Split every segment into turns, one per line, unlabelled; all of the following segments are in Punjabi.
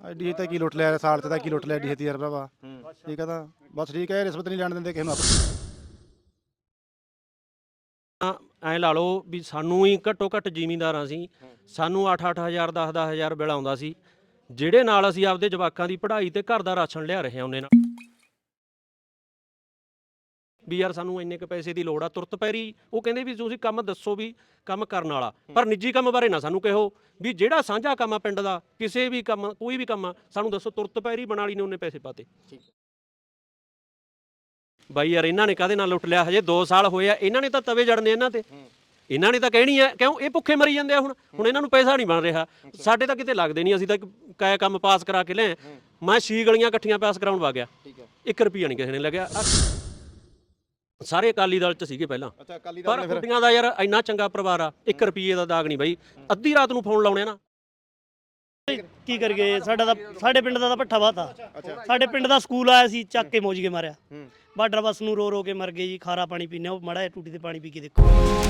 ਐਡੀ ਤਾਂ ਕੀ ਲੁੱਟ ਲਿਆ ਸਾਲ 'ਚ ਤਾਂ ਕੀ ਲੁੱਟ ਲਿਆ ਐਡੀ ਛੇਤੀ ਯਾਰ ਭਰਾਵਾ। ਠੀਕ ਆ ਤਾਂ ਬਸ ਠੀਕ ਹੈ, ਰਿਸ਼ਵਤ ਨਹੀਂ ਲੈਣ ਦਿੰਦੇ ਕਿਸੇ ਨੂੰ।
ਐਂ ਲਾ ਲਓ ਵੀ ਸਾਨੂੰ ਹੀ ਘੱਟੋ ਘੱਟ ਜ਼ਿਮੀਂਦਾਰਾਂ ਸੀ, ਸਾਨੂੰ 8-8 ਹਜ਼ਾਰ 10-10 ਹਜ਼ਾਰ ਬਿੱਲ ਆਉਂਦਾ ਸੀ, ਜਿਹੜੇ ਨਾਲ ਅਸੀਂ ਆਪਦੇ ਜਵਾਕਾਂ ਦੀ ਪੜ੍ਹਾਈ ਤੇ ਘਰ ਦਾ ਰਾਸ਼ਨ ਲਿਆ ਰਹੇ ਹਾਂ। ਉਹਨੇ ਨਾਲ ਵੀ ਯਾਰ ਸਾਨੂੰ ਇੰਨੇ ਕੁ ਪੈਸੇ ਦੀ ਲੋੜ ਆ ਤੁਰਤ ਪੈਰੀ। ਉਹ ਕਹਿੰਦੇ ਵੀ ਤੁਸੀਂ ਕੰਮ ਦੱਸੋ ਵੀ ਕੰਮ ਕਰਨ ਵਾਲਾ, ਪਰ ਨਿੱਜੀ ਕੰਮ ਬਾਰੇ ਨਾ ਸਾਨੂੰ ਕਹੋ ਵੀ ਜਿਹੜਾ ਸਾਂਝਾ ਕੰਮ ਆ ਪਿੰਡ ਦਾ, ਕਿਸੇ ਵੀ ਕੰਮ ਕੋਈ ਵੀ ਕੰਮ ਆ ਸਾਨੂੰ ਦੱਸੋ। ਤੁਰਤ ਪੈਰੀ ਬਣਾਲੀ ਨੇ ਉਹਨੇ ਪੈਸੇ ਪਾਤੇ। ਬਾਈ ਯਾਰ ਇਹਨਾਂ ਨੇ ਕਾਹਦੇ ਨਾਲ ਲੁੱਟ ਲਿਆ? ਹਜੇ 2 ਸਾਲ ਹੋਏ ਆ, ਇਹਨਾਂ ਨੇ ਤਾਂ ਤਵੇ ਜੜਨੇ ਇਹਨਾਂ ਤੇ। ਇਹਨਾਂ ਨੇ ਤਾਂ ਕਹਿਣੀ ਹੈ ਕਿਉਂ ਇਹ ਭੁੱਖੇ ਮਰੀ ਜਾਂਦੇ ਆ। ਹੁਣ ਇਹਨਾਂ ਨੂੰ ਪੈਸਾ ਨਹੀਂ ਬਣ ਰਿਹਾ, ਸਾਡੇ ਤਾਂ ਕਿਤੇ ਲੱਗਦੇ ਨਹੀਂ। ਅਸੀਂ ਤਾਂ ਕਾਇਆ ਕੰਮ ਪਾਸ ਕਰਾ ਕੇ ਲਿਆ। ਮੈਂ 6 ਗਲੀਆਂ ਇਕੱਠੀਆਂ ਪਾਸ ਕਰਾਉਣ ਵਾ ਗਿਆ, 1 ਰੁਪਈਆ ਨਹੀਂ ਕਿਸੇ ਨੇ ਲੱਗਿਆ। ਸਾਰੇ ਅਕਾਲੀ ਦਲ 'ਚ ਸੀਗੇ ਪਹਿਲਾਂ, ਪਰ ਕੁੜੀਆਂ ਦਾ ਯਾਰ ਇੰਨਾ ਚੰਗਾ ਪਰਿਵਾਰ ਆ, 1 ਰੁਪਈਏ ਦਾ ਦਾਗ ਨਹੀਂ ਬਾਈ। ਅੱਧੀ ਰਾਤ ਨੂੰ ਫੋਨ ਲਾਉਣੇ ਨਾ।
ਕੀ ਕਰੀਏ, ਸਾਡੇ ਪਿੰਡ ਦਾ ਤਾਂ ਭੱਠਾ ਬਾਤਾ। ਸਾਡੇ ਪਿੰਡ ਦਾ ਸਕੂਲ ਆਇਆ ਸੀ, ਚੱਕ ਕੇ ਮੋਜ ਕੇ ਮਾਰਿਆ। ਬਾਰਡਰ ਬੱਸ ਨੂੰ ਰੋ ਕੇ ਮਰ ਗਏ ਜੀ। ਖਾਰਾ ਪਾਣੀ ਪੀਨੇ, ਉਹ ਮਾੜਾ ਜਿਹਾ ਟੂਟੀ ਤੇ ਪਾਣੀ ਪੀ ਕੇ ਦੇਖੋ।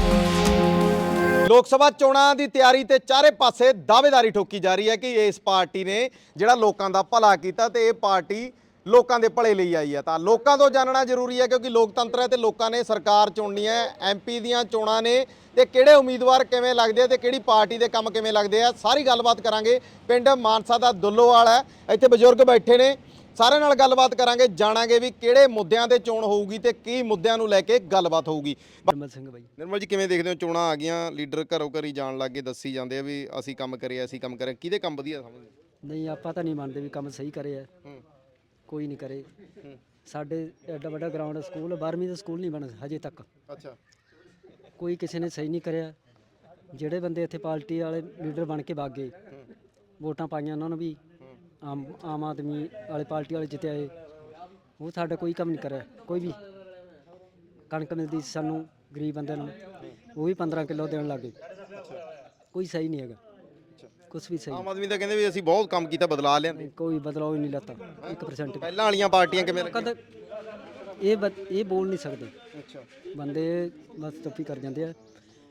ਲੋਕ ਸਭਾ ਚੋਣਾਂ ਦੀ ਤਿਆਰੀ ਤੇ ਚਾਰੇ ਪਾਸੇ ਦਾਅਵੇਦਾਰੀ ਠੋਕੀ ਜਾ ਰਹੀ ਹੈ ਕਿ ਇਸ ਪਾਰਟੀ ਨੇ ਜਿਹੜਾ ਲੋਕਾਂ ਦਾ ਭਲਾ ਕੀਤਾ ਤੇ ਇਹ ਪਾਰਟੀ ਲੋਕਾਂ ਦੇ ਭਲੇ ਲਈ ਆਈ ਹੈ। ਤਾਂ ਲੋਕਾਂ ਤੋਂ ਜਾਣਨਾ ਜ਼ਰੂਰੀ ਹੈ, ਕਿਉਂਕਿ ਲੋਕਤੰਤਰ ਹੈ ਤੇ ਲੋਕਾਂ ਨੇ ਸਰਕਾਰ ਚੁਣਨੀ ਹੈ। ਐਮਪੀ ਦੀਆਂ ਚੋਣਾਂ ਨੇ ਤੇ ਕਿਹੜੇ ਉਮੀਦਵਾਰ ਕਿਵੇਂ ਲੱਗਦੇ ਆ ਤੇ ਕਿਹੜੀ ਪਾਰਟੀ ਦੇ ਕੰਮ ਕਿਵੇਂ ਲੱਗਦੇ ਆ, ਸਾਰੀ ਗੱਲਬਾਤ ਕਰਾਂਗੇ। ਪਿੰਡ ਮਾਨਸਾ ਦਾ ਦੁੱਲੋਵਾਲ ਹੈ, ਇੱਥੇ ਬਜ਼ੁਰਗ ਬੈਠੇ ਨੇ, ਸਾਰਿਆਂ ਨਾਲ ਗੱਲਬਾਤ ਕਰਾਂਗੇ, ਜਾਣਾਂਗੇ ਵੀ ਕਿਹੜੇ ਮੁੱਦਿਆਂ ਤੇ ਚੋਣ ਹੋਊਗੀ ਤੇ ਕੀ ਮੁੱਦਿਆਂ ਨੂੰ ਲੈ ਕੇ ਗੱਲਬਾਤ ਹੋਊਗੀ।
ਨਿਰਮਲ ਸਿੰਘ ਬਾਈ।
ਨਿਰਮਲ ਜੀ, ਕਿਵੇਂ ਦੇਖਦੇ ਹੋ ਚੋਣਾਂ ਆ ਗਈਆਂ, ਲੀਡਰ ਘਰੋਂ ਘਰੀ ਜਾਣ ਲੱਗੇ, ਦੱਸੀ ਜਾਂਦੇ ਆ ਵੀ ਅਸੀਂ ਕੰਮ ਕਰਿਆ, ਅਸੀਂ ਕੰਮ ਕਰਿਆ, ਕਿਹਦੇ ਕੰਮ ਵਧੀਆ ਸਮਝਦੇ?
ਨਹੀਂ, ਆਪਾਂ ਤਾਂ ਨਹੀਂ ਮੰਨਦੇ ਵੀ ਕੰਮ ਸਹੀ ਕਰੇ ਆ। ਕੋਈ ਨਹੀਂ ਕਰੇ। ਸਾਡੇ ਐਡਾ ਵੱਡਾ ਗਰਾਊਂਡ ਸਕੂਲ, 12ਵੀਂ ਦਾ ਸਕੂਲ ਨਹੀਂ ਬਣ ਹਜੇ ਤੱਕ।
ਅੱਛਾ,
ਕੋਈ ਕਿਸੇ ਨੇ ਸਹੀ ਨਹੀਂ ਕਰਿਆ। ਜਿਹੜੇ ਬੰਦੇ ਇੱਥੇ ਪਾਰਟੀ ਵਾਲੇ ਲੀਡਰ ਬਣ ਕੇ ਵਗ ਗਏ, ਵੋਟਾਂ ਪਾਈਆਂ ਉਹਨਾਂ ਨੂੰ ਵੀ, ਆਮ ਆਦਮੀ ਵਾਲੇ ਪਾਰਟੀ ਵਾਲੇ ਜਿੱਤੇ, ਉਹ ਸਾਡਾ ਕੋਈ ਕੰਮ ਨਹੀਂ ਕਰਿਆ। ਕੋਈ ਵੀ ਕਣਕ ਮਿਲਦੀ ਸੀ ਸਾਨੂੰ ਗਰੀਬ ਬੰਦਿਆਂ ਨੂੰ, ਉਹ ਵੀ 15 ਕਿਲੋ ਦੇਣ ਲੱਗ ਗਏ। ਕੋਈ ਸਹੀ ਨਹੀਂ ਹੈਗਾ, ਕੁਛ ਵੀ ਸਹੀ।
ਆਮ ਆਦਮੀ ਤਾਂ ਕਹਿੰਦੇ ਵੀ ਅਸੀਂ ਬਹੁਤ ਕੰਮ ਕੀਤਾ, ਬਦਲਾ ਲਿਆਂਦੇ।
ਕੋਈ ਬਦਲਾਅ ਹੀ ਨਹੀਂ ਲੱਤਾ 1%।
ਪਹਿਲਾਂ ਵਾਲੀਆਂ ਪਾਰਟੀਆਂ ਕਿਵੇਂ ਲੱਗੀਆਂ?
ਕਦੇ ਇਹ ਬੋਲ ਨਹੀਂ ਸਕਦੇ।
ਅੱਛਾ,
ਬੰਦੇ ਬਸ ਚੁੱਪੀ ਕਰ ਜਾਂਦੇ ਆ।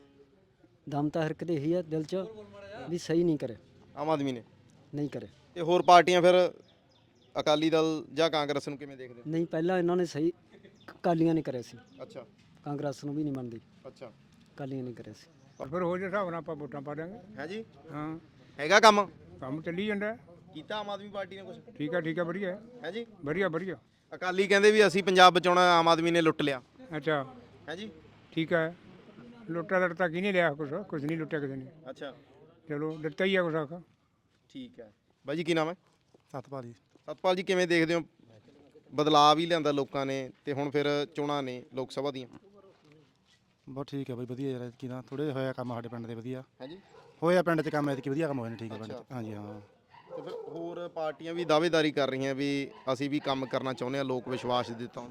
ਦਮ ਤਾਂ ਹਰ ਕਿਤੇ ਇਹੀ ਆ ਦਿਲ 'ਚ ਵੀ ਸਹੀ ਨਹੀਂ ਕਰੇ,
ਆਮ ਆਦਮੀ ਨੇ
ਨਹੀਂ ਕਰੇ।
ਤੇ ਹੋਰ ਪਾਰਟੀਆਂ ਫਿਰ ਅਕਾਲੀ ਦਲ ਜਾਂ ਕਾਂਗਰਸ ਨੂੰ ਕਿਵੇਂ ਦੇਖਦੇ?
ਨਹੀਂ, ਪਹਿਲਾਂ ਇਹਨਾਂ ਨੇ ਸਹੀ ਅਕਾਲੀਆਂ ਨੇ ਕਰਿਆ ਸੀ,
ਅੱਛਾ
ਕਾਂਗਰਸ ਨੂੰ ਵੀ ਨਹੀਂ ਮੰਨਦੀ,
ਅੱਛਾ,
ਅਕਾਲੀਆਂ ਨੇ ਕਰਿਆ ਸੀ।
ਫਿਰ ਹੋ ਜੇ ਹਿਸਾਬ ਨਾਲ ਆਪਾਂ ਵੋਟਾਂ ਪਾ ਦਾਂਗੇ।
ਹੈ ਜੀ,
ਹਾਂ,
ਹੈਗਾ ਕੰਮ
ਕੰਮ ਚੱਲੀ ਜਾਂਦਾ।
ਕੀਤਾ ਆਮ ਆਦਮੀ ਪਾਰਟੀ ਨੇ ਕੁਝ?
ਠੀਕ ਹੈ ਵਧੀਆ
ਹੈ ਜੀ।
ਵਧੀਆ।
ਅਕਾਲੀ ਕਹਿੰਦੇ ਵੀ ਅਸੀਂ ਪੰਜਾਬ ਬਚਾਉਣਾ, ਆਮ ਆਦਮੀ ਨੇ ਲੁੱਟ ਲਿਆ।
ਅੱਛਾ,
ਹੈ ਜੀ,
ਠੀਕ ਹੈ। ਲੁੱਟਾ ਲੜਤਾ ਕੀ ਨਹੀਂ ਲਿਆ, ਕੁਛ ਨਹੀਂ ਲੁੱਟਿਆ ਕਿਸੇ ਨੇ।
ਅੱਛਾ,
ਚਲੋ ਦਿੱਤਾ ਹੀ ਆ ਕੁਛ ਆਖਾ।
ਠੀਕ ਹੈ। ਬਾਈ ਜੀ ਕੀ ਨਾਮ ਹੈ?
ਸਤਪਾਲ ਜੀ।
ਸਤਪਾਲ ਜੀ, ਕਿਵੇਂ ਦੇਖਦੇ ਹੋ ਬਦਲਾਅ ਵੀ ਲਿਆਂਦਾ ਲੋਕਾਂ ਨੇ ਤੇ ਹੁਣ ਫਿਰ ਚੋਣਾਂ ਨੇ ਲੋਕ ਸਭਾ ਦੀਆਂ?
ਬਹੁਤ ਠੀਕ ਹੈ ਬਾਈ, ਵਧੀਆ ਯਾਰ। ਕੀ ਨਾ ਥੋੜੇ ਹੋਇਆ ਕੰਮ ਸਾਡੇ ਪਿੰਡ ਦੇ ਵਧੀਆ
ਹੈ ਜੀ,
ਹੋਇਆ ਪਿੰਡ 'ਚ ਕੰਮ ਐਤਕੀ ਵਧੀਆ ਕੰਮ ਹੋਏ ਨੇ। ਠੀਕ ਹੈ ਪਿੰਡ 'ਚ, ਹਾਂਜੀ ਹਾਂ।
ਤੇ ਫਿਰ ਹੋਰ ਪਾਰਟੀਆਂ ਵੀ ਦਾਅਵੇਦਾਰੀ ਕਰ ਰਹੀਆਂ ਵੀ ਅਸੀਂ ਵੀ ਕੰਮ ਕਰਨਾ ਚਾਹੁੰਦੇ ਹਾਂ, ਲੋਕ ਵਿਸ਼ਵਾਸ ਦਿੱਤਾ।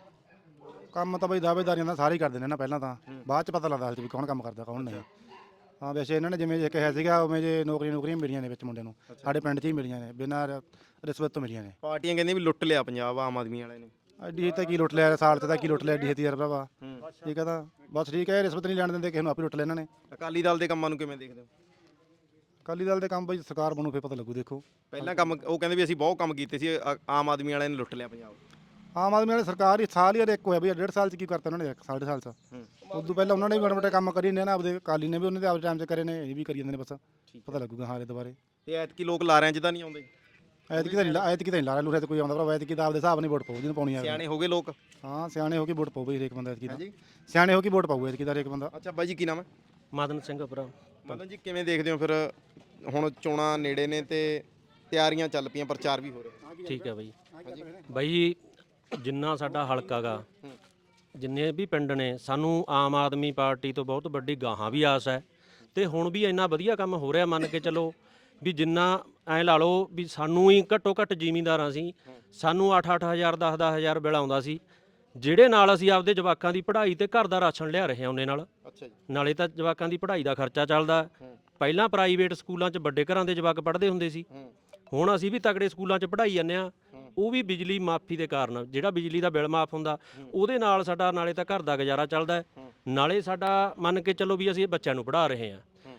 ਕੰਮ ਤਾਂ ਬਾਈ ਦਾਅਵੇਦਾਰੀਆਂ ਦਾ ਸਾਰੇ ਹੀ ਕਰਦੇ ਨੇ ਨਾ, ਪਹਿਲਾਂ ਤਾਂ ਬਾਅਦ 'ਚ ਪਤਾ ਲੱਗਦਾ ਵੀ ਕੌਣ ਕੰਮ ਕਰਦਾ ਕੌਣ ਨਹੀਂ। ਹਾਂ, ਵੈਸੇ ਇਹਨਾਂ ਨੇ ਜਿਵੇਂ ਜੇ ਕਿਹਾ ਸੀਗਾ ਉਵੇਂ ਜੇ ਨੌਕਰੀਆਂ ਮਿਲੀਆਂ ਨੇ ਵਿੱਚ ਮੁੰਡੇ ਨੂੰ, ਸਾਡੇ ਪਿੰਡ 'ਚ ਹੀ ਮਿਲੀਆਂ ਨੇ, ਬਿਨਾਂ ਰਿਸ਼ਵਤ ਤੋਂ ਮਿਲੀਆਂ ਨੇ।
ਪਾਰਟੀਆਂ ਕਹਿੰਦੀਆਂ ਵੀ ਲੁੱਟ ਲਿਆ ਪੰਜਾਬ, ਆਮ ਆਦਮੀ ਵਾਲਿਆਂ ਨੇ।
ਐਡੀ ਤਾਂ ਕੀ ਲੁੱਟ ਲਿਆ ਸਾਲ 'ਚ ਤਾਂ ਕੀ ਲੁੱਟ ਲਿਆ ਐਡੀ ਛੇਤੀ ਯਾਰ ਭਰਾਵਾ। ਠੀਕ ਆ ਤਾਂ ਬਸ ਠੀਕ ਹੈ, ਰਿਸ਼ਵਤ ਨਹੀਂ ਲੈਣ ਦਿੰਦੇ ਕਿਸੇ ਨੂੰ, ਆਪੇ ਲੁੱਟ ਲਿਆ ਇਹਨਾਂ ਨੇ।
ਅਕਾਲੀ ਦਲ ਦੇ ਕੰਮਾਂ ਨੂੰ ਕਿਵੇਂ ਦੇਖਦੇ ਹੋ?
ਅਕਾਲੀ ਦਲ ਦੇ ਕੰਮ ਬਾਈ ਸਰਕਾਰ ਬਣੂ ਫਿਰ ਪਤਾ ਲੱਗੂ। ਦੇਖੋ
ਪਹਿਲਾਂ ਕੰਮ ਉਹ ਕਹਿੰਦੇ ਵੀ ਅਸੀਂ ਬਹੁਤ ਕੰਮ ਕੀਤੇ ਸੀ, ਆਮ ਆਦਮੀ ਵਾਲਿਆਂ ਨੇ ਲੁੱਟ ਲਿਆ ਪੰਜਾਬ।
ਆਮ ਆਦਮੀ ਵਾਲੀ ਸਰਕਾਰ ਹੀ ਸਾਲ ਹੀ ਇੱਕ ਹੋਇਆ ਬਈ, 1.5 ਸਾਲ 'ਚ ਕੀ ਕਰਤਾ ਉਹਨਾਂ ਨੇ, 1.5 ਸਾਲ 'ਚ। ਉਦੋਂ ਪਹਿਲਾਂ ਉਹਨਾਂ ਨੇ ਵੀ ਮਾੜੇ ਕੰਮ ਕਰੀ ਨੇ ਨਾ, ਆਪਦੇ ਅਕਾਲੀ ਨੇ ਵੀ ਉਹਨਾਂ ਦੇ ਆਪਦੇ ਟਾਈਮ 'ਚ ਕਰੇ ਨੇ, ਇਹ ਵੀ ਕਰੀ ਜਾਂਦੇ ਨੇ। ਬਸ ਪਤਾ ਲੱਗੂਗਾ ਹਾਲੇ ਦੁਬਾਰੇ।
ਤੇ ਐਤਕੀ ਲੋਕ ਲਾਰਿਆਂ 'ਚ ਤਾਂ ਨਹੀਂ ਆਉਂਦੇ?
ਐਤਕੀ ਤਾਂ ਨਹੀਂ ਲਾ ਰਿਹਾ ਲੂਰਿਆ ਤੇ ਕੋਈ ਆਉਂਦਾ ਭਰਾ। ਐਤਕੀ ਤਾਂ ਆਪਦੇ ਹਿਸਾਬ ਨਾਲ ਵੋਟ ਪਾਊ ਜਿਹਨੂੰ ਪਾਉਣੀ ਆ।
ਸਿਆਣੇ ਹੋ ਗਏ ਲੋਕ।
ਹਾਂ, ਸਿਆਣੇ ਹੋ ਕੇ ਵੋਟ ਪਾਊ ਬਈ ਹਰੇਕ ਬੰਦਾ ਐਤਕੀ ਦਾ। ਸਿਆਣੇ ਹੋ ਕੇ ਵੋਟ ਪਾਊ ਐਤਕੀ ਦਾ ਹਰੇਕ ਬੰਦਾ।
ਅੱਛਾ ਬਾਈ ਜੀ ਕੀ ਨਾਮ ਹੈ?
ਮਦਨ ਸਿੰਘ ਭਰਾ।
ਮਤਲਬ ਜੀ ਕਿਵੇਂ ਦੇਖਦੇ ਹੋ ਫਿਰ ਹੁਣ ਚੋਣਾਂ ਨੇੜੇ ਨੇ ਤੇ ਤਿਆਰੀਆਂ ਚੱਲ ਪਈਆਂ, ਪ੍ਰਚਾਰ ਵੀ ਹੋ ਰਿਹਾ?
ਠੀਕ ਹੈ ਬਾਈ ਜਿੰਨਾ ਸਾਡਾ ਹਲਕਾ ਗਾ, ਜਿੰਨੇ ਵੀ ਪਿੰਡ ਨੇ, ਸਾਨੂੰ ਆਮ ਆਦਮੀ ਪਾਰਟੀ ਤੋਂ ਬਹੁਤ ਵੱਡੀ ਗਾਹਾਂ ਵੀ ਆਸ ਹੈ। ਤੇ ਹੁਣ ਵੀ ਇੰਨਾ ਵਧੀਆ ਕੰਮ ਹੋ ਰਿਹਾ, ਮੰਨ ਕੇ ਚੱਲੋ ਵੀ ਜਿੰਨਾ ਐਂ ਲਾ ਲਓ ਵੀ ਸਾਨੂੰ ਹੀ ਘੱਟੋ ਘੱਟ ਜ਼ਿਮੀਂਦਾਰਾਂ ਸੀ, ਸਾਨੂੰ 8-8 ਹਜ਼ਾਰ 10-10 ਹਜ਼ਾਰ ਬਿੱਲ ਆਉਂਦਾ ਸੀ, ਜਿਹੜੇ ਨਾਲ ਅਸੀਂ ਆਪਦੇ ਜਵਾਕਾਂ ਦੀ ਪੜ੍ਹਾਈ ਤੇ ਘਰ ਦਾ ਰਾਸ਼ਨ ਲਿਆ ਰਹੇ ਹਾਂ ਉਹਨੇ ਨਾਲ।
ਅੱਛਾ ਜੀ।
ਨਾਲੇ ਤਾਂ ਜਵਾਕਾਂ ਦੀ ਪੜ੍ਹਾਈ ਦਾ ਖਰਚਾ ਚੱਲਦਾ। ਪਹਿਲਾਂ ਪ੍ਰਾਈਵੇਟ ਸਕੂਲਾਂ 'ਚ ਵੱਡੇ ਘਰਾਂ ਦੇ ਜਵਾਕ ਪੜ੍ਹਦੇ ਹੁੰਦੇ ਸੀ, ਹੁਣ ਅਸੀਂ ਵੀ ਤਗੜੇ ਸਕੂਲਾਂ 'ਚ ਪੜ੍ਹਾਈ ਜਾਂਦੇ ਹਾਂ। ਉਹ ਵੀ ਬਿਜਲੀ ਮਾਫੀ ਦੇ ਕਾਰਨ, ਜਿਹੜਾ ਬਿਜਲੀ ਦਾ ਬਿੱਲ ਮਾਫ ਹੁੰਦਾ ਉਹਦੇ ਨਾਲ ਸਾਡਾ ਨਾਲੇ ਤਾਂ ਘਰ ਦਾ ਗੁਜ਼ਾਰਾ ਚੱਲਦਾ, ਨਾਲੇ ਸਾਡਾ ਮੰਨ ਕੇ ਚੱਲੋ ਵੀ ਅਸੀਂ ਬੱਚਿਆਂ ਨੂੰ ਪੜ੍ਹਾ ਰਹੇ ਹਾਂ।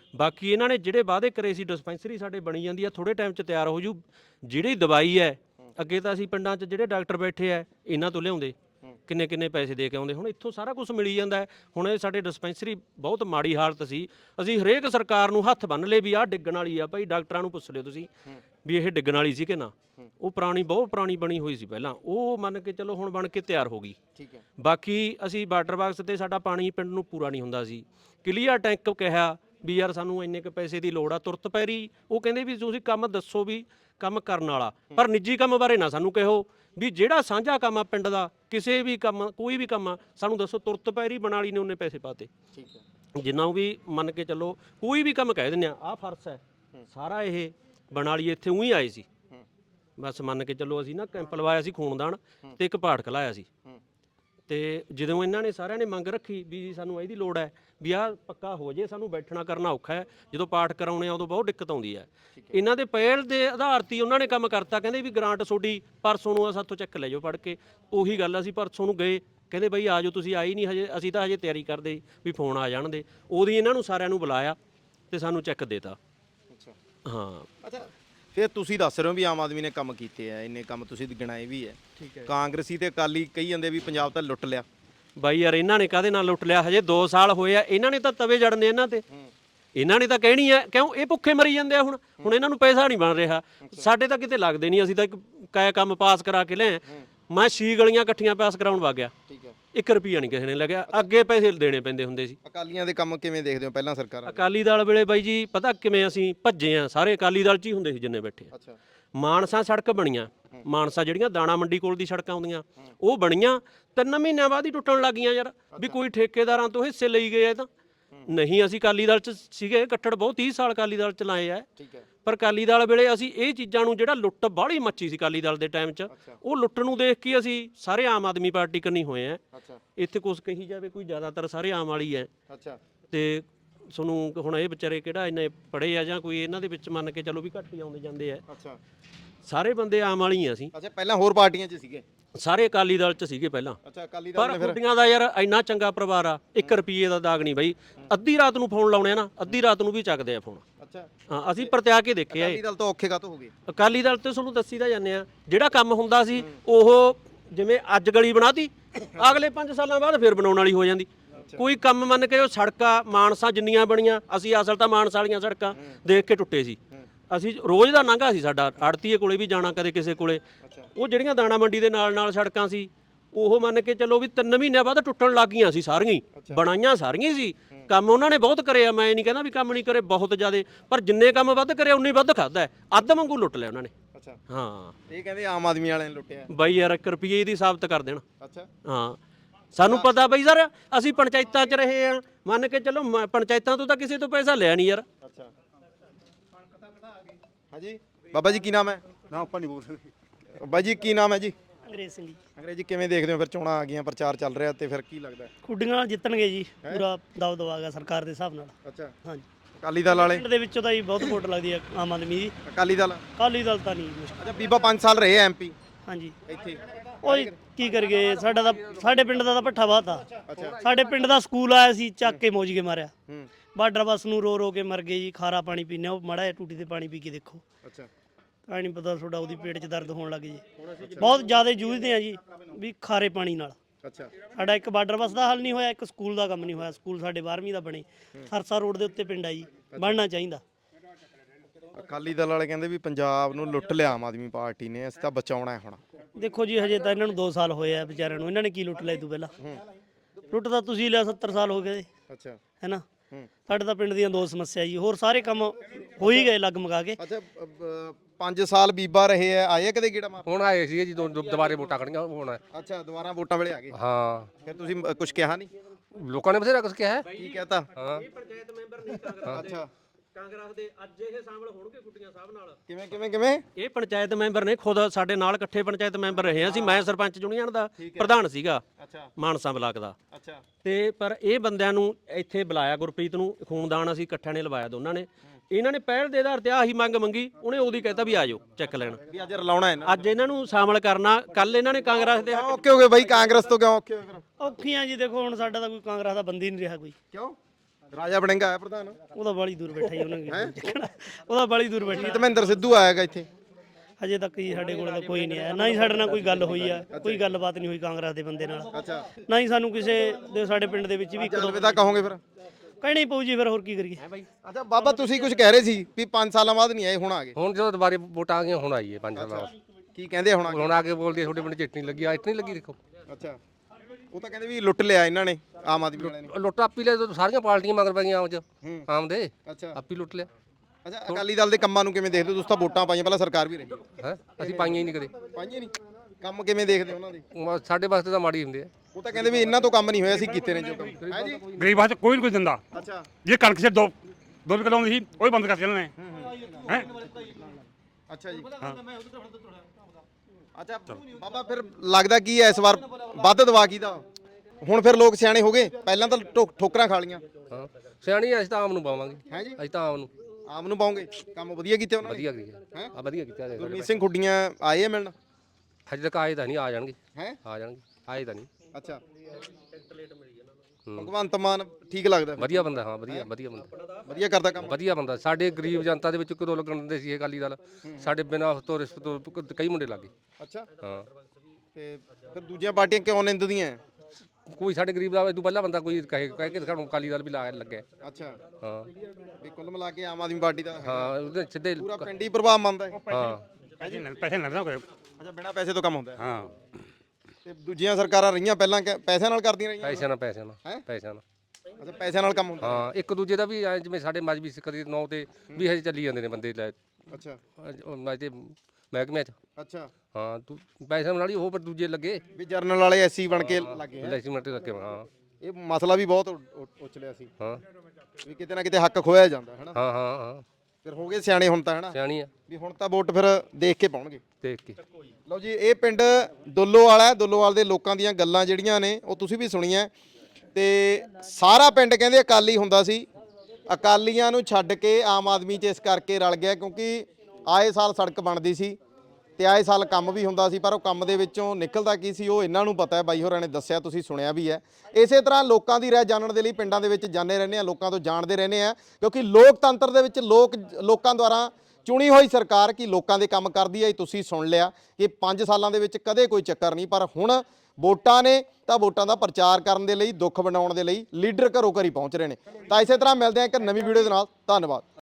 ਬਾਕੀ ਇਹਨਾਂ ਨੇ ਜਿਹੜੇ ਵਾਅਦੇ ਕਰੇ ਸੀ, ਡਿਸਪੈਂਸਰੀ ਸਾਡੇ ਬਣੀ ਜਾਂਦੀ ਆ, ਥੋੜੇ ਟਾਈਮ 'ਚ ਤਿਆਰ ਹੋ ਜੂ। ਜਿਹੜੀ ਦਵਾਈ ਹੈ ਅੱਗੇ ਤਾਂ ਅਸੀਂ ਪਿੰਡਾਂ 'ਚ ਜਿਹੜੇ ਡਾਕਟਰ ਬੈਠੇ ਆ ਇਹਨਾਂ ਤੋਂ ਲਿਆਉਂਦੇ, ਕਿੰਨੇ ਪੈਸੇ ਦੇ ਕੇ ਆਉਂਦੇ, ਹੁਣ ਇੱਥੋਂ ਸਾਰਾ ਕੁਝ ਮਿਲੀ ਜਾਂਦਾ ਹੈ। ਹੁਣ ਇਹ ਸਾਡੇ ਡਿਸਪੈਂਸਰੀ ਬਹੁਤ ਮਾੜੀ ਹਾਲਤ ਸੀ, ਅਸੀਂ ਹਰੇਕ ਸਰਕਾਰ ਨੂੰ ਹੱਥ ਬੰਨ ਲਏ ਵੀ ਆਹ ਡਿੱਗਣ ਵਾਲੀ ਆ ਭਾਈ, ਡਾਕਟਰਾਂ ਨੂੰ ਪੁੱਛ ਲਿਓ ਤੁਸੀਂ ਵੀ ਇਹ ਡਿੱਗਣ ਵਾਲੀ ਸੀ ਕਿ ਨਾ। ਉਹ ਬਹੁਤ ਪੁਰਾਣੀ ਬਣੀ ਹੋਈ ਸੀ ਪਹਿਲਾਂ, ਉਹ ਮੰਨ ਕੇ ਚਲੋ ਹੁਣ ਬਣ ਕੇ ਤਿਆਰ ਹੋ ਗਈ।
ਠੀਕ ਹੈ।
ਬਾਕੀ ਅਸੀਂ ਵਾਟਰ ਬਾਕਸ ਤੇ ਸਾਡਾ ਪਾਣੀ ਪਿੰਡ ਨੂੰ ਪੂਰਾ ਨਹੀਂ ਹੁੰਦਾ ਸੀ, ਕਲੀਅਰ ਟੈਂਕ ਕਿਹਾ ਵੀ ਯਾਰ ਸਾਨੂੰ ਇੰਨੇ ਕੁ ਪੈਸੇ ਦੀ ਲੋੜ ਆ, ਤੁਰਤ ਪੈਰੀ ਉਹ ਕਹਿੰਦੇ ਵੀ ਤੁਸੀਂ ਕੰਮ ਦੱਸੋ ਵੀ ਕੰਮ ਕਰਨ ਵਾਲਾ, ਪਰ ਨਿੱਜੀ ਕੰਮ ਬਾਰੇ ਨਾ ਸਾਨੂੰ ਕਹੋ ਵੀ ਜਿਹੜਾ ਸਾਂਝਾ ਕੰਮ ਆ ਪਿੰਡ ਦਾ, ਕਿਸੇ ਵੀ ਕੰਮ ਕੋਈ ਵੀ ਕੰਮ ਆ ਸਾਨੂੰ ਦੱਸੋ। ਤੁਰਤ ਪੈਰੀ ਬਣਾਲੀ ਨੇ ਉਹਨੇ ਪੈਸੇ ਪਾਤੇ।
ਠੀਕ ਹੈ।
ਜਿੰਨਾ ਵੀ ਮੰਨ ਕੇ ਚੱਲੋ ਕੋਈ ਵੀ ਕੰਮ ਕਹਿ ਦਿੰਦੇ ਆ, ਆਹ ਫਰਸ ਹੈ ਸਾਰਾ ਇਹ ਬਣਾਲੀ ਇੱਥੇ ਉਹੀ ਆਏ ਸੀ, ਬਸ ਮੰਨ ਕੇ ਚੱਲੋ ਅਸੀਂ ਨਾ ਕੈਂਪ ਲਵਾਇਆ ਸੀ ਖੂਨਦਾਨ ਤੇ ਇੱਕ ਪਾਠ ਖਲਾਇਆ ਸੀ। ਤੇ ਜਦੋਂ ਇਹਨਾਂ ਨੇ ਸਾਰਿਆਂ ਨੇ ਮੰਗ ਰੱਖੀ ਵੀ ਸਾਨੂੰ ਇਹਦੀ ਲੋੜ ਹੈ ਵੀ ਆਹ ਪੱਕਾ ਹੋ ਜੇ, ਸਾਨੂੰ ਬੈਠਣਾ ਕਰਨਾ ਔਖਾ ਹੈ, ਜਦੋਂ ਪਾਠ ਕਰਾਉਣੇ ਆ ਉਦੋਂ ਬਹੁਤ ਦਿੱਕਤ ਆਉਂਦੀ ਹੈ। ਇਹਨਾਂ ਦੇ ਪਹਿਲ ਦੇ ਆਧਾਰ ਤੇ ਉਹਨਾਂ ਨੇ ਕੰਮ ਕਰਤਾ, ਕਹਿੰਦੇ ਵੀ ਗ੍ਰਾਂਟ ਤੁਹਾਡੀ ਪਰਸੋਂ ਨੂੰ ਸਾਥੋਂ ਚੈੱਕ ਲੈ ਜਾਓ ਪੜ੍ਹ ਕੇ। ਉਹੀ ਗੱਲ ਅਸੀਂ ਪਰਸੋਂ ਨੂੰ ਗਏ, ਕਹਿੰਦੇ ਬਈ ਆ ਜਾਓ, ਤੁਸੀਂ ਆਈ ਨਹੀਂ ਹਜੇ, ਅਸੀਂ ਤਾਂ ਹਜੇ ਤਿਆਰੀ ਕਰਦੇ ਵੀ ਫੋਨ ਆ ਜਾਣ ਦੇ। ਉਹਦੀ ਇਹਨਾਂ ਨੂੰ ਸਾਰਿਆਂ ਨੂੰ ਬੁਲਾਇਆ ਤੇ ਸਾਨੂੰ ਚੈੱਕ ਦੇਤਾ।
ਅੱਛਾ
ਹਾਂ।
ਅੱਛਾ, ਫਿਰ ਤੁਸੀਂ ਦੱਸ ਰਹੇ ਹੋ ਵੀ ਆਮ ਆਦਮੀ ਨੇ ਕੰਮ ਕੀਤੇ ਆ, ਇੰਨੇ ਕੰਮ ਤੁਸੀਂ ਗਿਣਾਏ ਵੀ ਹੈ। ਠੀਕ ਹੈ। ਕਾਂਗਰਸੀ ਤੇ ਅਕਾਲੀ ਕਹੀ ਜਾਂਦੇ ਵੀ ਪੰਜਾਬ ਤਾਂ ਲੁੱਟ ਲਿਆ।
ਬਾਈ ਯਾਰ ਇਹਨਾਂ ਨੇ ਕਾਹਦੇ ਨਾਲ ਲੁੱਟ ਲਿਆ, ਹਜੇ 2 ਸਾਲ ਹੋਏ ਆ, ਇਹਨਾਂ ਨੇ ਤਾਂ ਤਵੇ ਜੜਨੇ ਇਹਨਾਂ ਤੇ, ਇਹਨਾਂ ਨੇ ਤਾਂ ਕਹਿਣੀ ਆ, ਕਿਉਂ ਇਹ ਭੁੱਖੇ ਮਰੀ ਜਾਂਦੇ ਆ। ਹੁਣ ਇਹਨਾਂ ਨੂੰ ਪੈਸਾ ਨਹੀਂ ਬਣ ਰਿਹਾ, ਸਾਡੇ ਤਾਂ ਕਿਤੇ ਲੱਗਦੇ ਨਹੀਂ, ਅਸੀਂ ਤਾਂ ਕਾਇਆ ਕੰਮ ਪਾਸ ਕਰਾ ਕੇ ਲਿਆ। ਮੈਂ 6 ਗਲੀਆਂ ਇਕੱਠੀਆਂ ਪਾਸ ਕਰਾਉਣ ਵਗ ਗਿਆ,
ਠੀਕ ਹੈ।
1 ਰੁਪਿਆ ਨਹੀਂ ਕਿਸੇ ਨੇ ਲੱਗਿਆ, ਅੱਗੇ ਪੈਸੇ ਦੇਣੇ ਪੈਂਦੇ ਹੁੰਦੇ ਸੀ।
ਅਕਾਲੀਆਂ ਦੇ ਕੰਮ ਕਿਵੇਂ ਦੇਖਦੇ ਹੋ ਪਹਿਲਾਂ ਸਰਕਾਰਾਂ?
ਅਕਾਲੀ ਦਲ ਵੇਲੇ ਬਾਈ ਜੀ ਪਤਾ ਕਿਵੇਂ ਅਸੀਂ ਭੱਜੇ ਆ, ਸਾਰੇ ਅਕਾਲੀ ਦਲ 'ਚ ਹੀ ਹੁੰਦੇ ਸੀ ਜਿੰਨੇ ਬੈਠੇ।
ਅੱਛਾ।
ਮਾਨਸਾ ਸੜਕ ਬਣੀਆਂ, ਮਾਨਸਾ ਜਿਹੜੀਆਂ ਦਾਣਾ ਮੰਡੀ ਕੋਲ ਦੀ ਸੜਕਾਂ ਆਉਂਦੀਆਂ ਉਹ ਬਣੀਆਂ, 3 ਮਹੀਨਿਆਂ ਬਾਅਦ ਹੀ ਟੁੱਟਣ ਲੱਗੀਆਂ ਯਾਰ, ਵੀ ਕੋਈ ਠੇਕੇਦਾਰਾਂ ਤੋਂ ਹਿੱਸੇ ਲਈ ਗਏ ਆ। ਤਾਂ ਨਹੀਂ, ਅਸੀਂ ਅਕਾਲੀ ਦਲ 'ਚ ਸੀਗੇ ਕੱਟੜ, ਬਹੁਤ 30 ਸਾਲ ਅਕਾਲੀ ਦਲ 'ਚ ਲਾਏ ਆ।
ਠੀਕ ਹੈ।
ਪਰ ਅਕਾਲੀ ਦਲ ਵੇਲੇ ਅਸੀਂ ਇਹ ਚੀਜ਼ਾਂ ਨੂੰ, ਜਿਹੜਾ ਲੁੱਟ ਬਾਹਲੀ ਮੱਚੀ ਸੀ ਅਕਾਲੀ ਦਲ ਦੇ ਟਾਈਮ 'ਚ, ਉਹ ਲੁੱਟ ਨੂੰ ਦੇਖ ਕੇ ਅਸੀਂ ਸਾਰੇ ਆਮ ਆਦਮੀ ਪਾਰਟੀ ਕੰਨੀ ਹੋਏ ਆ।
ਅੱਛਾ।
ਇੱਥੇ ਕੁਛ ਕਹੀ ਜਾਵੇ, ਕੋਈ ਜ਼ਿਆਦਾਤਰ ਸਾਰੇ ਆਮ ਵਾਲੀ ਹੈ।
ਅੱਛਾ।
ਤੇ ਤੁਹਾਨੂੰ ਹੁਣ ਇਹ ਵਿਚਾਰੇ ਕਿਹੜਾ ਇੰਨੇ ਪੜ੍ਹੇ ਆ ਜਾਂ ਕੋਈ ਇਹਨਾਂ ਦੇ ਵਿੱਚ ਮੰਨ ਕੇ ਚਲੋ ਵੀ ਘੱਟ ਹੀ ਆਉਂਦੇ ਜਾਂਦੇ ਆ।
ਅੱਛਾ।
ਸਾਰੇ ਬੰਦੇ ਆਮ ਵਾਲੀ ਆ ਅਸੀਂ।
ਅੱਛਾ, ਪਹਿਲਾਂ ਹੋਰ ਪਾਰਟੀਆਂ 'ਚ ਸੀਗੇ?
ਸਾਰੇ ਅਕਾਲੀ ਦਲ 'ਚ ਸੀਗੇ ਪਹਿਲਾਂ।
ਅੱਛਾ, ਅਕਾਲੀ ਦਲ
ਪਰ
ਨੇ ਫਿਰ
ਕੁੜੀਆਂ ਦਾ ਯਾਰ ਇੰਨਾ ਚੰਗਾ ਪਰਿਵਾਰ ਆ, 1 ਰੁਪਏ ਦਾ ਦਾਗ ਨਹੀਂ ਬਾਈ। ਅੱਧੀ ਰਾਤ ਨੂੰ ਫੋਨ ਲਾਉਣੇ ਆ ਨਾ, ਅੱਧੀ ਰਾਤ ਨੂੰ ਵੀ ਚੱਕਦੇ ਆ ਫੋਨ।
ਅੱਛਾ।
ਹਾਂ, ਅਸੀਂ ਪਰਤਿਆ ਕੇ ਦੇਖਿਆ
ਅਕਾਲੀ ਦਲ ਤੋਂ ਔਖੇ ਕਾਹਤੋਂ ਹੋ ਗਏ?
ਅਕਾਲੀ ਦਲ ਤੇ ਤੁਹਾਨੂੰ ਦੱਸੀ ਤਾਂ ਜਾਂਦੇ ਆ, ਜਿਹੜਾ ਕੰਮ ਹੁੰਦਾ ਸੀ ਉਹ ਜਿਵੇਂ ਅੱਜ ਗਲੀ ਬਣਾਤੀ, ਅਗਲੇ 5 ਸਾਲਾਂ ਬਾਅਦ ਫਿਰ ਬਣਾਉਣ ਵਾਲੀ ਹੋ ਜਾਂਦੀ। ਕੋਈ ਕੰਮ ਮੰਨ ਕੇ ਉਹ ਸੜਕਾਂ ਮਾਨਸਾ ਜਿੰਨੀਆਂ ਬਣੀਆਂ, ਅਸੀਂ ਅਸਲ ਤਾਂ ਮਾਨਸਾ ਵਾਲੀਆਂ ਸੜਕਾਂ ਦੇਖ ਕੇ ਟੁੱਟੇ ਸੀ। ਅਸੀਂ ਰੋਜ਼ ਦਾ ਲੰਘਾ ਸੀ ਸਾਡਾ, ਆੜਤੀਏ ਕੋਲੇ ਵੀ ਜਾਣਾ, ਕਦੇ ਕਿਸੇ ਕੋਲੇ। ਉਹ ਜਿਹੜੀਆਂ ਦਾਣਾ ਮੰਡੀ ਦੇ ਨਾਲ ਸੜਕਾਂ ਸੀ, ਉਹ ਮੰਨ ਕੇ ਚੱਲੋ ਵੀ 3 ਮਹੀਨਿਆਂ ਬਾਅਦ ਟੁੱਟਣ ਲੱਗ ਗਈਆਂ ਸੀ ਸਾਰੀਆਂ ਹੀ। ਬਣਾਈਆਂ ਸਾਰੀਆਂ ਸੀ, ਕੰਮ ਉਹਨਾਂ ਨੇ ਬਹੁਤ ਕਰਿਆ, ਮੈਂ ਨਹੀਂ ਕਹਿੰਦਾ ਵੀ ਕੰਮ ਨਹੀਂ ਕਰੇ, ਬਹੁਤ ਜ਼ਿਆਦੇ, ਪਰ ਜਿੰਨੇ ਕੰਮ ਵੱਧ ਕਰਿਆ ਉਨੇ ਵੱਧ ਖਾਦਾ ਹੈ, ਅੱਧ ਵਾਂਗੂ ਲੁੱਟ ਲਿਆ ਉਹਨਾਂ ਨੇ।
ਅੱਛਾ।
ਹਾਂ,
ਇਹ ਕਹਿੰਦੇ ਆਮ ਆਦਮੀ ਵਾਲਿਆਂ ਨੇ ਲੁੱਟਿਆ।
ਬਾਈ ਯਾਰ 1 ਰੁਪਏ ਦੀ ਸਾਬਤ ਕਰ ਦੇਣ।
ਅੱਛਾ।
ਹਾਂ, ਸਾਨੂੰ ਪਤਾ ਬਈ ਸਰ, ਅਸੀਂ ਪੰਚਾਇਤਾਂ 'ਚ ਰਹੇ ਆ, ਮੰਨ ਕੇ ਚੱਲੋ ਪੰਚਾਇਤਾਂ ਤੋਂ ਤਾਂ ਕਿਸੇ ਤੋਂ ਪੈਸਾ ਲਿਆ ਨਹੀਂ ਯਾਰ।
ਅੱਛਾ। ਹਾਂਜੀ ਬਾਬਾ ਜੀ, ਕੀ ਨਾਮ ਹੈ?
ਨਾ ਆਪਾਂ ਨਹੀਂ ਬੋਲ ਸਕਦੇ।
ਬਾਬਾ ਜੀ, ਕੀ ਨਾਮ ਹੈ ਜੀ?
ਅੰਗਰੇਜ਼ ਸਿੰਘ ਜੀ।
ਅੰਗਰੇਜ਼ੀ ਕਿਵੇਂ ਦੇਖਦੇ ਹੋ ਫਿਰ, ਚੋਣਾਂ ਆ ਗਈਆਂ, ਪ੍ਰਚਾਰ ਚੱਲ ਰਿਹਾ, ਤੇ ਫਿਰ ਕੀ ਲੱਗਦਾ?
ਖੁੱਡੀਆਂ ਨਾਲ ਜਿੱਤਣਗੇ ਜੀ, ਪੂਰਾ ਦਬ ਦਵਾਗਾ ਸਰਕਾਰ ਦੇ ਹਿਸਾਬ ਨਾਲ।
ਅੱਛਾ।
ਹਾਂਜੀ।
ਅਕਾਲੀ ਦਲ ਵਾਲੇ?
ਪਿੰਡ ਦੇ ਵਿੱਚੋਂ ਤਾਂ ਜੀ ਬਹੁਤ ਵੋਟ ਲੱਗਦੀ ਹੈ ਆਮ ਆਦਮੀ ਦੀ।
ਅਕਾਲੀ ਦਲ?
ਅਕਾਲੀ ਦਲ ਤਾਂ ਨਹੀਂ ਮੁਸ਼ਕਿਲ।
ਅੱਛਾ, ਬੀਬਾ 5 ਸਾਲ ਰਹੇ ਐਮਪੀ
ਹਾਂਜੀ।
ਇੱਥੇ?
ਉਹ ਜੀ ਕੀ ਕਰੀਏ, ਸਾਡੇ ਪਿੰਡ ਦਾ ਤਾਂ ਭੱਠਾ ਬਾਤ ਆ। ਸਾਡੇ ਪਿੰਡ ਦਾ ਸਕੂਲ ਆਇਆ ਸੀ, ਚੱਕ ਕੇ ਮੋਜ ਕੇ ਮਾਰਿਆ। ਬਾਰਡਰ ਬੱਸ ਨੂੰ ਰੋ ਕੇ ਮਰ ਗਏ ਜੀ। ਖਾਰਾ ਪਾਣੀ ਪੀਨੇ, ਉਹ ਮਾੜਾ ਜਿਹਾ ਟੂਟੀ ਤੇ ਪਾਣੀ ਪੀ ਕੇ ਦੇਖੋ।
ਅੱਛਾ।
ਤਾਂ ਨਹੀਂ ਪਤਾ ਤੁਹਾਡਾ ਉਹਦੀ ਪੇਟ 'ਚ ਦਰਦ ਹੋਣ ਲੱਗ ਜੇ। ਬਹੁਤ ਜ਼ਿਆਦਾ ਜੂਝਦੇ ਆ ਜੀ ਵੀ ਖਾਰੇ ਪਾਣੀ ਨਾਲ।
ਅੱਛਾ।
ਸਾਡਾ ਇੱਕ ਬਾਰਡਰ ਬੱਸ ਦਾ ਹੱਲ ਨਹੀਂ ਹੋਇਆ, ਇੱਕ ਸਕੂਲ ਦਾ ਕੰਮ ਨਹੀਂ ਹੋਇਆ। ਸਕੂਲ ਸਾਡੇ 12ਵੀਂ ਦਾ ਬਣੇ, ਸਰਸਾ ਰੋਡ ਦੇ ਉੱਤੇ ਪਿੰਡ ਆ ਜੀ, ਬਣਨਾ ਚਾਹੀਦਾ।
ਅਕਾਲੀ ਦਲ ਵਾਲੇ ਕਹਿੰਦੇ ਵੀ ਪੰਜਾਬ ਨੂੰ ਲੁੱਟ ਲਿਆ ਆਮ ਆਦਮੀ ਪਾਰਟੀ ਨੇ, ਅਸੀਂ ਤਾਂ ਬਚਾਉਣਾ ਹੈ ਹੁਣ।
ਦੇਖੋ ਜੀ, ਹਜੇ ਤਾਂ ਇਹਨਾਂ ਨੂੰ 2 ਸਾਲ ਹੋਏ ਆ ਵਿਚਾਰਿਆਂ ਨੂੰ, ਇਹਨਾਂ ਨੇ ਕੀ ਲੁੱਟ ਲਿਆ ਤੂੰ ਪਹਿਲਾਂ? ਲੁੱਟ ਤਾਂ ਤੁਸੀਂ ਲਿਆ, 70 ਸਾਲ ਹੋ ਗਏ।
ਅੱਛਾ।
ਹੈ ਨਾ? ਸਾਡੇ ਤਾਂ ਪਿੰਡ ਦੀਆਂ 2 ਸਮੱਸਿਆ ਜੀ, ਹੋਰ ਸਾਰੇ ਕੰਮ ਹੋ ਹੀ ਗਏ ਲੱਗ ਮਗਾ ਕੇ।
ਅੱਛਾ, 5 ਸਾਲ ਬੀਬਾ ਰਹੇ ਆ, ਆਏ ਆ ਕਦੇ ਗੇੜਾ ਮਾਰ?
ਹੁਣ ਆਏ ਸੀ ਜੀ, ਦੁਬਾਰੇ ਵੋਟਾਂ ਖੜੀਆਂ ਹੁਣ।
ਅੱਛਾ, ਦੁਬਾਰਾ ਵੋਟਾਂ ਵੇਲੇ ਆ ਗਏ।
ਹਾਂ,
ਫਿਰ ਤੁਸੀਂ ਕੁਝ ਕਿਹਾ ਨਹੀਂ?
ਲੋਕਾਂ ਨੇ ਬਥੇਰਾ ਕੁਝ ਕਿਹਾ ਹੈ।
ਕੀ ਕਹਤਾ?
ਹਾਂ,
ਪੰਚਾਇਤ ਮੈਂਬਰ ਨਹੀਂ ਕਾਂਗਰਸ
ਅੱਛਾ।
ਕਾਂਗਰਸ ਦੇ ਅੱਜ ਇਹ ਸ਼ਾਮਲ ਹੋਣਗੇ ਕੁੱਟੀਆਂ ਸਾਹਿਬ ਨਾਲ।
ਕਿਵੇਂ?
ਇਹ ਪੰਚਾਇਤ ਮੈਂਬਰ ਨੇ, ਖੁਦ ਸਾਡੇ ਨਾਲ ਇਕੱਠੇ ਪੰਚਾਇਤ ਮੈਂਬਰ ਰਹੇ ਆ ਅਸੀਂ। ਮੈਂ ਸਰਪੰਚ ਯੂਨੀਅਨ ਦਾ ਪ੍ਰਧਾਨ ਸੀਗਾ
ਅੱਛਾ।
ਮਾਨਸਾ ਬਲਾਕ ਦਾ।
ਅੱਛਾ।
ਤੇ ਪਰ ਇਹ ਬੰਦਿਆਂ ਨੂੰ ਇੱਥੇ ਬੁਲਾਇਆ, ਗੁਰਪ੍ਰੀਤ ਨੂੰ, ਖੂਨਦਾਨ ਅਸੀਂ ਇਕੱਠਿਆਂ ਨੇ ਲਵਾਇਆ ਦੋਨਾਂ ਨੇ। ਇਹਨਾਂ ਨੇ ਪਹਿਲ ਦੇ ਆਧਾਰ ਤੇ ਆਹੀ ਮੰਗ ਮੰਗੀ, ਉਹਨੇ ਉਹਦੀ ਕਹਿਤਾ ਵੀ ਆ ਜਾਓ ਚੈੱਕ ਲੈਣ।
ਵੀ ਅੱਜ ਰਲਾਉਣਾ ਹੈ
ਅੱਜ ਇਹਨਾਂ ਨੂੰ ਸ਼ਾਮਲ ਕਰਨਾ, ਕੱਲ ਇਹਨਾਂ ਨੇ ਕਾਂਗਰਸ ਦੇ
ਓਕੇ ਹੋ ਗਏ ਬਾਈ, ਕਾਂਗਰਸ ਤੋਂ ਕਿਉਂ ਓਕੇ ਹੋਏ ਫਿਰ?
ਔਖੀਆਂ ਜੀ, ਦੇਖੋ ਹੁਣ ਸਾਡਾ ਤਾਂ ਕੋਈ ਕਾਂਗਰਸ ਦਾ ਬੰਦੀ ਨਹੀਂ ਰਿਹਾ ਕੋਈ।
ਕਿਉਂ? ਰਾਜਾ ਵੜਿੰਗਾ ਆਇਆ ਪ੍ਰਧਾਨ
ਉਹਦਾ ਬਾਲੀ ਦੂਰ ਬੈਠਾ ਜੀ, ਉਹਨਾਂ ਨੇ ਦੇਖਣਾ ਉਹਦਾ ਬਾਲੀ ਦੂਰ ਬੈਠਾ।
ਧਰਮਿੰਦਰ ਸਿੱਧੂ ਆਏਗਾ ਇੱਥੇ।
ਹਜੇ ਤੱਕ ਜੀ ਸਾਡੇ ਕੋਲ ਤਾਂ ਕੋਈ ਨਹੀਂ ਆਇਆ, ਨਾ ਹੀ ਸਾਡੇ ਨਾਲ ਕੋਈ ਗੱਲ ਹੋਈ ਆ, ਕੋਈ ਗੱਲਬਾਤ ਨਹੀਂ ਹੋਈ ਕਾਂਗਰਸ ਦੇ ਬੰਦੇ ਨਾਲ।
ਅੱਛਾ,
ਨਾ ਹੀ ਸਾਨੂੰ ਕਿਸੇ ਦੇ ਸਾਡੇ ਪਿੰਡ ਦੇ ਵਿੱਚ ਵੀ ਇੱਕ ਦੋ
ਅਲਵਿਦਾ ਕਹੋਗੇ ਫਿਰ?
ਕਹਿਣੀ ਪਊ ਜੀ, ਫਿਰ ਹੋਰ ਕੀ ਕਰੀਏ।
ਅੱਛਾ ਬਾਬਾ, ਤੁਸੀਂ ਕੁਝ ਕਹਿ ਰਹੇ ਸੀ ਵੀ 5 ਸਾਲਾਂ ਬਾਅਦ ਨਹੀਂ ਆਏ, ਹੁਣ ਆ ਗਏ।
ਹੁਣ ਜਦੋਂ ਦੁਬਾਰੇ ਵੋਟਾਂ ਆ ਗਈਆਂ ਹੁਣ ਆਈ ਹੈ 5 ਸਾਲ ਬਾਅਦ।
ਕੀ ਕਹਿੰਦੇ ਹੁਣ ਆ ਗਏ?
ਹੁਣ ਆ ਕੇ ਬੋਲਦੇ ਤੁਹਾਡੇ ਪਿੰਡ 'ਚ ਇੱਟ ਨਹੀਂ ਲੱਗੀ, ਆ ਇੱਟ ਨਹੀਂ ਲੱਗੀ ਦੇਖੋ।
ਅੱਛਾ, ਉਹ ਤਾਂ ਕਹਿੰਦੇ ਵੀ ਲੁੱਟ ਲਿਆ ਇਹਨਾਂ ਨੇ, ਆਮ ਆਦਮੀ ਵਾਲਿਆਂ ਨੇ।
ਲੁੱਟ ਆਪੀ ਲੈ ਸਾਰੀਆਂ ਪਾਰਟੀਆਂ ਮਗਰ ਪੈ ਗਈਆਂ ਆਮ 'ਚ, ਆਮ ਦੇ
ਅੱਛਾ
ਆਪੀ ਲੁੱਟ ਲਿਆ
ਅੱਛਾ, ਅਕਾਲੀ ਦਲ ਦੇ ਕੰਮਾਂ ਨੂੰ ਕਿਵੇਂ ਦੇਖਦੇ ਹੋ? ਤੁਸੀਂ ਤਾਂ ਵੋਟਾਂ ਪਾਈਆਂ, ਪਹਿਲਾਂ ਸਰਕਾਰ ਵੀ ਰਹੀ
ਹੈ। ਅਸੀਂ ਪਾਈਆਂ ਹੀ ਨਹੀਂ ਕਦੇ,
ਪਾਈਆਂ ਨਹੀਂ। ਕੰਮ ਕਿਵੇਂ ਦੇਖਦੇ ਉਹਨਾਂ ਦੇ?
ਸਾਡੇ ਵਾਸਤੇ ਤਾਂ ਮਾੜੀ ਹੁੰਦੇ ਆ।
ਉਹ ਤਾਂ ਕਹਿੰਦੇ ਵੀ ਇਹਨਾਂ ਤੋਂ ਕੰਮ ਨਹੀਂ ਹੋਇਆ, ਅਸੀਂ ਕੀਤੇ ਨੇ ਜੋ ਕੰਮ। ਹੈ ਜੀ।
ਗਰੀਬਾਂ 'ਚ ਕੋਈ ਨਹੀਂ ਕੁਝ ਦਿੰਦਾ।
ਅੱਛਾ
ਜੇ ਕਣਕ ਸਿਰ 2 ਰੁਪਏ ਲਾਉਂਦੀ ਸੀ ਉਹ ਵੀ ਬੰਦ ਕਰਤੀ ਇਹਨਾਂ ਨੇ ਹੈ।
ਅੱਛਾ ਜੀ। ਅੱਛਾ ਬਾਬਾ, ਫਿਰ ਲੱਗਦਾ ਕੀ ਹੈ ਇਸ ਵਾਰ ਵੱਧ ਦਵਾ ਕੀਦਾ? ਹੁਣ ਫਿਰ ਲੋਕ ਸਿਆਣੇ ਹੋ ਗਏ, ਪਹਿਲਾਂ ਤਾਂ ਠੋਕਰਾਂ ਖਾ ਲੀਆਂ।
ਹਾਂ ਸਿਆਣੀ ਅਸੀਂ ਤਾਂ ਆਮ ਨੂੰ ਪਾਵਾਂਗੇ।
ਹੈ ਜੀ।
ਅਸੀਂ ਤਾਂ ਆਮ ਨੂੰ
ਆਮ ਨੂੰ ਪਾਉਂਗੇ, ਕੰਮ ਵਧੀਆ ਕੀਤੇ ਉਹਨਾਂ ਨੇ।
ਵਧੀਆ ਕਰੀਏ ਆ ਵਧੀਆ ਕੀਤਾ ਜਾਏ।
ਗੁਰਮੀਤ ਸਿੰਘ ਖੁੱਡੀਆਂ ਆਏ ਆ ਮਿਲਣ?
ਹਜੇ ਤੱਕ ਆਏ ਤਾਂ ਨਹੀਂ, ਆ ਜਾਣਗੇ
ਹੈ।
ਆ ਜਾਣਗੇ, ਆਏ ਤਾਂ ਨਹੀਂ।
ਅੱਛਾ, ਭਗਵੰਤ ਮਾਨ ਠੀਕ ਲੱਗਦਾ?
ਵਧੀਆ ਬੰਦਾ, ਹਾਂ ਵਧੀਆ ਵਧੀਆ ਬੰਦਾ,
ਵਧੀਆ ਕਰਦਾ ਕੰਮ।
ਵਧੀਆ ਬੰਦਾ। ਸਾਡੇ ਗਰੀਬ ਜਨਤਾ ਦੇ ਵਿੱਚ ਕਦੋਂ ਲੱਗਣ ਦਿੰਦੇ ਸੀ ਇਹ ਅਕਾਲੀ ਦਲ? ਸਾਡੇ ਬਿਨਾਂ ਉਸ ਤੋਂ ਰਿਸ਼ਵਤ ਤੋਂ ਕਈ ਮੁੰਡੇ ਲੱਗੇ।
ਅੱਛਾ,
ਹਾਂ
ਤੇ ਫਿਰ ਦੂਜੀਆਂ ਪਾਰਟੀਆਂ ਕਿਉਂ ਨਿੰਦਦੀਆਂ?
ਕੋਈ ਸਾਡੇ ਗਰੀਬ ਦਾ ਇਦੋਂ ਪਹਿਲਾਂ ਬੰਦਾ ਕੋਈ ਕਹਿ ਕੇ ਦਿਖਾਉਂ ਅਕਾਲੀ ਦਲ ਵੀ ਲਾ ਲੱਗਿਆ।
ਅੱਛਾ,
ਹਾਂ
ਵੀ ਕੁੱਲ ਮਿਲਾ ਕੇ ਆਮ ਆਦਮੀ ਪਾਰਟੀ ਦਾ
ਹਾਂ ਉਹਦੇ ਸਿੱਧੇ
ਪੂਰਾ ਪਿੰਡੀ ਪ੍ਰਭਾਵ ਮੰਨਦਾ ਹੈ।
ਹਾਂ
ਪੈਸੇ ਨਹੀਂ ਲੈਂਦਾ ਕੋਈ।
ਅੱਛਾ, ਬਿਨਾਂ ਪੈਸੇ ਤੋਂ ਕੰਮ ਹੁੰਦਾ ਹੈ।
ਹਾਂ
ਤੇ ਦੂਜੀਆਂ ਸਰਕਾਰਾਂ ਰਹੀਆਂ ਪਹਿਲਾਂ ਪੈਸਿਆਂ ਨਾਲ ਕਰਦੀਆਂ ਰਹੀਆਂ।
ਪੈਸਿਆਂ ਨਾਲ ਪੈਸਿਆਂ ਨਾਲ।
ਅੱਛਾ, ਪੈਸਿਆਂ ਨਾਲ ਕੰਮ ਹੁੰਦਾ।
ਹਾਂ ਇੱਕ ਦੂਜੇ ਦਾ ਵੀ ਐਂ ਜਿਵੇਂ ਸਾਡੇ ਮਜਬੀ ਸਿੱਖ ਦੇ ਨਾਂ ਤੇ ਵੀ ਹਜੇ ਚੱਲੀ ਜਾਂਦੇ ਨੇ ਬੰਦੇ ਲੈ
ਅੱਛਾ
ਤੇ ਮਹਿਕਮਿਆਂ 'ਚ।
ਅੱਛਾ,
ਹਾਂ ਤੂੰ ਪੈਸਿਆਂ ਨਾਲ ਹੀ ਉਹ ਪਰ ਦੂਜੇ ਲੱਗੇ
ਵੀ ਜਰਨਲ ਵਾਲੇ ਐਸੀ ਬਣ ਕੇ ਲੱਗੇ ਹੈ।
ਲੈਸੀਮੈਂਟ ਲੱਗੇ। ਹਾਂ
ਇਹ ਮਸਲਾ ਵੀ ਬਹੁਤ ਉਛਲਿਆ ਸੀ
ਹਾਂ
ਵੀ ਕਿਤੇ ਨਾ ਕਿਤੇ ਹੱਕ ਖੋਇਆ ਜਾਂਦਾ ਹੈ ਨਾ।
ਹਾਂ ਹਾਂ ਹਾਂ
ਫਿਰ ਹੋ ਗਏ ਸਿਆਣੇ ਹੁਣ ਤਾਂ, ਹੈ ਨਾ,
ਸਿਆਣੀ ਆ
ਵੀ ਹੁਣ ਤਾਂ ਵੋਟ ਫਿਰ ਦੇਖ ਕੇ ਪਾਉਣਗੇ।
ਦੇਖ ਕੇ।
ਲਓ ਜੀ, ਇਹ ਪਿੰਡ ਦੁੱਲੋਵਾਲ ਹੈ। ਦੁੱਲੋਵਾਲ ਦੇ ਲੋਕਾਂ ਦੀਆਂ ਗੱਲਾਂ ਜਿਹੜੀਆਂ ਨੇ ਉਹ ਤੁਸੀਂ ਵੀ ਸੁਣੀਆਂ। ਤੇ ਸਾਰਾ ਪਿੰਡ ਕਹਿੰਦੇ ਅਕਾਲੀ ਹੁੰਦਾ ਸੀ, ਅਕਾਲੀਆਂ ਨੂੰ ਛੱਡ ਕੇ ਆਮ ਆਦਮੀ 'ਚ ਇਸ ਕਰਕੇ ਰਲ ਗਿਆ ਕਿਉਂਕਿ ਆਏ ਸਾਲ ਸੜਕ ਬਣਦੀ ਸੀ ਤੇ ਆਏ ਸਾਲ ਕੰਮ ਵੀ ਹੁੰਦਾ ਸੀ, ਪਰ ਉਹ ਕੰਮ ਦੇ ਵਿੱਚੋਂ ਨਿਕਲਦਾ ਕੀ ਸੀ ਉਹ ਇਹਨਾਂ ਨੂੰ ਪਤਾ ਹੈ। ਬਾਈ ਹੋਰਾਂ ਨੇ ਦੱਸਿਆ, ਤੁਸੀਂ ਸੁਣਿਆ ਵੀ ਹੈ। ਇਸੇ ਤਰ੍ਹਾਂ ਲੋਕਾਂ ਦੀ ਰਾਏ ਜਾਣਨ ਦੇ ਲਈ ਪਿੰਡਾਂ ਦੇ ਵਿੱਚ ਜਾਂਦੇ ਰਹਿੰਦੇ ਆ, ਲੋਕਾਂ ਤੋਂ ਜਾਣਦੇ ਰਹਿੰਦੇ ਆ, ਕਿਉਂਕਿ ਲੋਕਤੰਤਰ ਦੇ ਵਿੱਚ ਲੋਕਾਂ ਦੁਆਰਾ ਚੁਣੀ ਹੋਈ ਸਰਕਾਰ ਕੀ ਲੋਕਾਂ ਦੇ ਕੰਮ ਕਰਦੀ ਹੈ। ਤੁਸੀਂ ਸੁਣ ਲਿਆ ਕਿ 5 ਸਾਲਾਂ ਦੇ ਵਿੱਚ ਕਦੇ ਕੋਈ ਚੱਕਰ ਨਹੀਂ, ਪਰ ਹੁਣ ਵੋਟਾਂ ਨੇ ਤਾਂ ਵੋਟਾਂ ਦਾ ਪ੍ਰਚਾਰ ਕਰਨ ਦੇ ਲਈ, ਦੁੱਖ ਵੰਡਾਉਣ ਦੇ ਲਈ ਲੀਡਰ ਘਰੋਂ ਘਰੀ ਪਹੁੰਚ ਰਹੇ ਨੇ। ਤਾਂ ਇਸੇ ਤਰ੍ਹਾਂ ਮਿਲਦੇ ਆ ਇੱਕ ਨਵੀਂ ਵੀਡੀਓ ਦੇ ਨਾਲ। ਧੰਨਵਾਦ।